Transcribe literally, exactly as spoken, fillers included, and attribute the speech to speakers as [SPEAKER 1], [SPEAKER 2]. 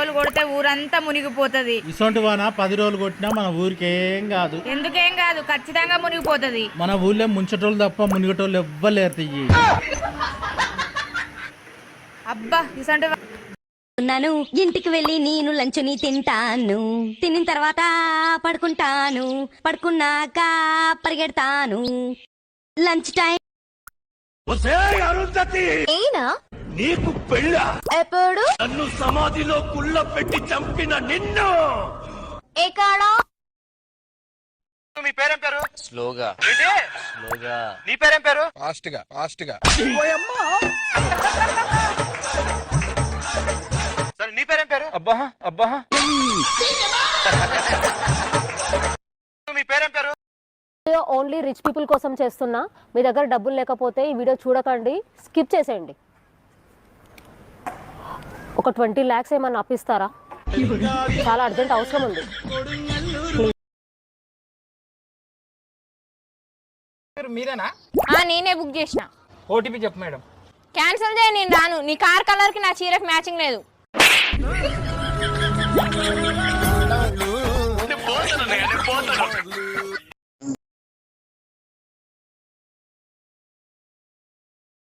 [SPEAKER 1] రోజులు కొడితే ఊరంతా మునిగిపోతది.
[SPEAKER 2] ఇసొంటి వాన పది రోజులు కొట్టినా మన ఊరికి ఏం కాదు.
[SPEAKER 1] ఎందుకేం కాదు, ఖచ్చితంగా మునిగిపోతది.
[SPEAKER 2] మన ఊళ్ళో ముంచటోళ్ళు తప్ప మునిగటోళ్ళు ఎవ్వలేరు తియ్యి.
[SPEAKER 1] అబ్బా ఇసంటి
[SPEAKER 3] నన్ను ఇంటికి వెళ్ళి నేను లంచుని తింటాను, తిన్న తర్వాత పడుకుంటాను, పడుకున్నాక పరిగెడతాను. లంచ్ టైం
[SPEAKER 4] ఏనా
[SPEAKER 5] నీకు పెళ్ళ
[SPEAKER 4] ఎప్పుడు
[SPEAKER 5] నన్ను సమాధిలో కుళ్ళ పెట్టి చంపిన నిన్ను.
[SPEAKER 4] ఎక్కడా
[SPEAKER 5] మీ పేరేం పేరు?
[SPEAKER 6] స్లోగా స్లోగా.
[SPEAKER 5] నీ పేరేం పేరు?
[SPEAKER 6] ఫాస్ట్ గా ఫాస్ట్ గా.
[SPEAKER 5] సరే నీ పేరేం పేరు? అబ్బా అబ్బా. మీ పేరేం పేరు?
[SPEAKER 7] ఓన్లీ రిచ్ పీపుల్ కోసం చేస్తున్నా. మీ దగ్గర డబ్బులు లేకపోతే ఈ వీడియో చూడకండి, స్కిప్ చేసేయండి. ఒక ట్వంటీ ల్యాక్స్ ఏమన్నా అప్పిస్తారా? చాలా అర్జెంట్ అవసరం ఉంది.
[SPEAKER 8] మీరేనా?
[SPEAKER 1] నేనే బుక్ చేసిన.
[SPEAKER 8] ఓటీపీ చెప్పు మేడం.
[SPEAKER 1] క్యాన్సిల్ చేయ, నేను రాను. నీ కార్ కలర్ కి నా చీరకు మ్యాచింగ్ లేదు.